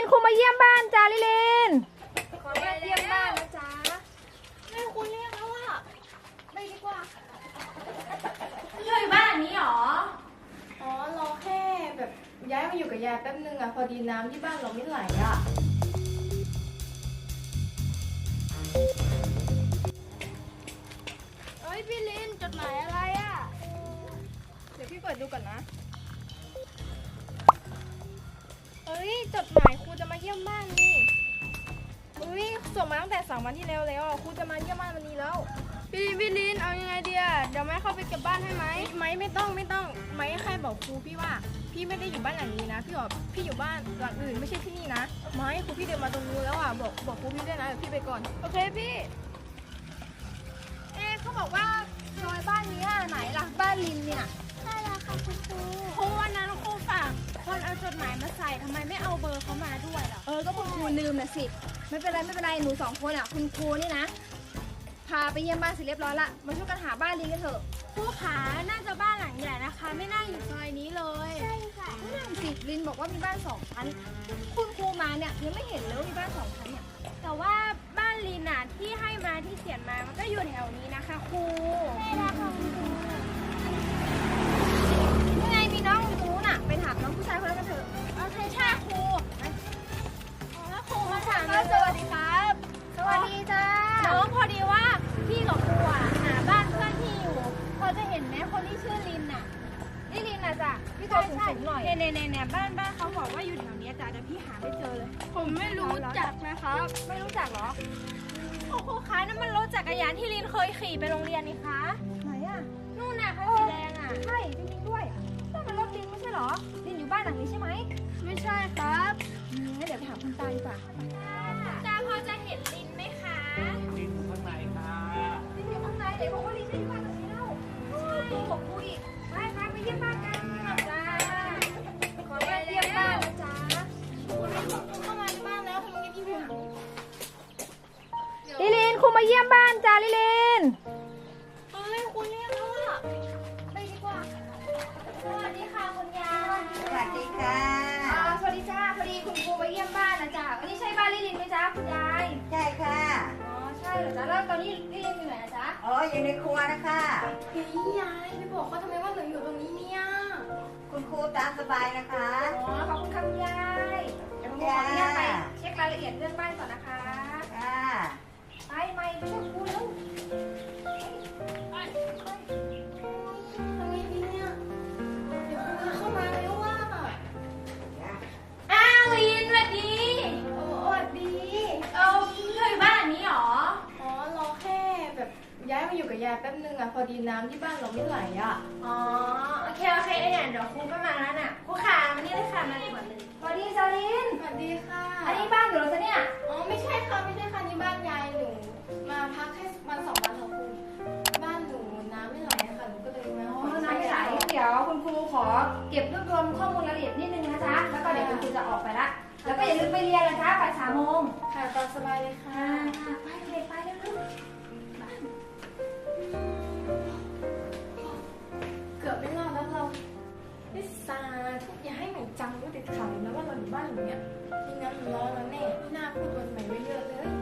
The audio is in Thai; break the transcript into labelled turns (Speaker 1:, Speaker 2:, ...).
Speaker 1: ครูมาเยี่ยมบ้านจ้าลิลิน
Speaker 2: ขอมาเยี่ยมบ้านนะจ๊ะแม่คุณเรียกแล้วอ่ะไปดีกว่า
Speaker 3: อยู่บ้านนี้หรอ
Speaker 2: อ๋อรอแค่แบบย้ายมาอยู่กับยายแป๊บนึงอ่ะพอดีน้ำที่บ้านเราไม่ไหลอ่ะเอ้ยพี่ลินจดหมายอะไรอ่ะเดี๋ยวพี่เปิดดูก่อนนะเอ้ยจดหมายครูจะมาเยี่ยมบ้านนี่ส่งมาตั้งแต่3 วันที่แล้วครูจะมาเยี่ยมบ้านวันนี้แล้วพี่ลินเอายังไงดีอ่ะเดี๋ยวแม่เข้าไปเก็บบ้านให้ไหมไม่ต้องไม่แค่บอกครูพี่ว่าพี่ไม่ได้อยู่บ้านหลังนี้นะพี่อยู่บ้านหลังอื่นไม่ใช่ที่นี่นะไม่ครูพี่เดินมาตรงนู้นแล้วอ่ะบอกครูพี่ด้วยนะเดี๋ยวพี่ไปก่อนโอเคพี่เขาบอกว่าซอยบ้านนี้ไหนล่ะบ้านลินเนี่ยใช่แล้วค่ะคุณครูครูวันนั้นครูฝากคนเอาจดหมายมาใส่ทำไมไม่เอาเบอร์เขามาด้วยล่ะ
Speaker 1: ก็คุณครูลืมนะสิไม่เป็นไรหนู2 คนอ่ะคุณครูนี่นะพาไปเยี่ยมบ้านเสร็จเรียบร้อยละมาช่วยกันหาบ้านลินกันเถอะ
Speaker 3: ครูขาน่าจะบ้านหลังใหญ่นะคะ ไม่น่าอยู่ซอยนี้เลย
Speaker 1: ใช่ค่ะนั่นสิลินบอกว่ามีบ้าน2 ชั้นคุณครูมาเนี่ยยังไม่เห็นเลยว่ามีบ้าน2 ชั้นเนี่ย
Speaker 3: แต่ว่าบ้านลินน่ะที่ให้มาที่เขียนมามันก็อยู่แถวนี้นะคะครู
Speaker 1: ใช่แล้วค่ะคุณครูยังไงมีน้องอยู่ตรงนู้นน่ะไปถามน้องผู้ชายคนนั้นกันเถอะ
Speaker 3: โอเคใช่ครูแล้วครูมาถาม
Speaker 1: สวัสดีครับสวัสดีจ้า
Speaker 3: น้องพอดีว่าพี่กับครูอ่ะหาบ้านเพื่อนที่อยู่พอจะเห็นไหมคนที่ชื่อลินน่ะ
Speaker 1: นี่ลินน่ะจ้ะพี่ตัวสูงหน่อย
Speaker 3: เนี่ยบ้านเขาบอกว่าอยู่แถวนี้จ้ะเดี๋ยวพี่หาไม่เจอเลย
Speaker 2: ผมไม่รู้จักนะครับ
Speaker 1: ไม่รู้จักเหรอ
Speaker 3: ครูคะนั่นมันรถจักรยานที่ลินเคยขี่ไปโรงเรียนนี่คะ
Speaker 1: ไหนอ่ะ
Speaker 3: นู่นน่ะคันสีแดงอ่ะ
Speaker 1: ใช่จริงๆด้วยนั่นมันรถลินไม่ใช่เหรอลินอยู่บ้านหลังนี้ใช่ไหม
Speaker 2: ไม่ใช่ครับ
Speaker 1: งั้นเดี๋ยวไปถามคุณตาดีกว่า
Speaker 3: ตาพอจะเห็นลินไหมคะ
Speaker 4: ลินอยู่ข้างในค่ะ
Speaker 1: ลินอยู่ข้างในเดี๋ยวบอกว่าลินจะอยู่บ้านหลังนี้แล้วบอกคุยไปเยี่ยมบ้านกัน
Speaker 2: จ้าขอมาเยี่ยมบ้านนะจ๊ะคุณลินเข้ามาในบ้านแล้วคุณลินพี่ผม
Speaker 1: ลินครูมาเยี่ยมบ้านจ้าลิลิน
Speaker 2: คุณเรียกแล้วอ่ะไปดีกว่า
Speaker 3: สวัสดีค่ะคุณยาย
Speaker 5: สวัสดีค่ะ
Speaker 1: สวัสดีจ้าพอดีคุณครูมาเยี่ยมบ้านนะจ้าวันนี้ใช่บ้านลิลินไหมจ้าคุณยาย
Speaker 5: ใช่ค่ะ
Speaker 1: ใช่เหรอจ้าแล้วตอนนี้ลิลินอยู่ไหนนะจ๊ะ
Speaker 5: อยู่ในครัวนะคะ
Speaker 2: พี่ยายไปบอกเขาทำไมว่าหนูอยู่ตรงนี้เนี่ย
Speaker 5: คุณครูตามสบายนะคะ
Speaker 1: ขอบคุณค่ะคุณยายเดี๋ยวผมขออนุญาตไปเช็ครายละเอียดเรื่องบ้านก่อนนะคะ
Speaker 5: ค่ะ
Speaker 1: ไปช่วยครูแล้ว
Speaker 2: ทำไงดีเนี่ยเดี๋ยวครูเข้ามาแล้วว่า
Speaker 3: อ้าวลินสวัสดี
Speaker 2: สวัสดี
Speaker 3: อยู่บ้านนี้หรอ
Speaker 2: รอแค่แบบย้ายมาอยู่กับยายแป๊บนึงอ่ะพอดีน้ำที่บ้านเราไม่ไหลอ่ะ
Speaker 3: โอเคเนี่ยเดี๋ยวครูก็มาแล้วน่ะครูขามานี่เลยค่ะมาดีกว่าเลย
Speaker 1: สวัสดีจาลิน
Speaker 2: สวัสดีค่ะ
Speaker 1: อันนี้บ้านอยู่หรอจ๊ะเนี่ย
Speaker 2: ไม่ใช่ค่ะนี่บ้านยายหนูมาพักแค่วัน2 วันค่ะคุณบ้านหนูน้ำไม่ไหลค่ะหนูก็เลยมา
Speaker 1: น้ำไม่ไหลเดี๋ยวคุณครูขอเก็บรวบรวมข้อมูลรายละเอียดนิดนึงนะจ๊ะแล้วก็เดี๋ยวคุณครูจะออกไปละแล้วก็อย่าลืมไปเรียนนะจ๊ะบ่าย3 โมง
Speaker 2: ค่ะตามสบายเลยค่ะ
Speaker 1: ไปเลยไปเร็ว
Speaker 2: เกือบไม่รอดแล้วเราลิซ่าทุกอย่าให้หนูจำว่าติดขัดนะว่าเราอยู่บ้านหลังเนี้ยไม่งั้นมันร้อนแล้วแน่ไม่น่าพูดวันใหม่ไว้เยอะเลย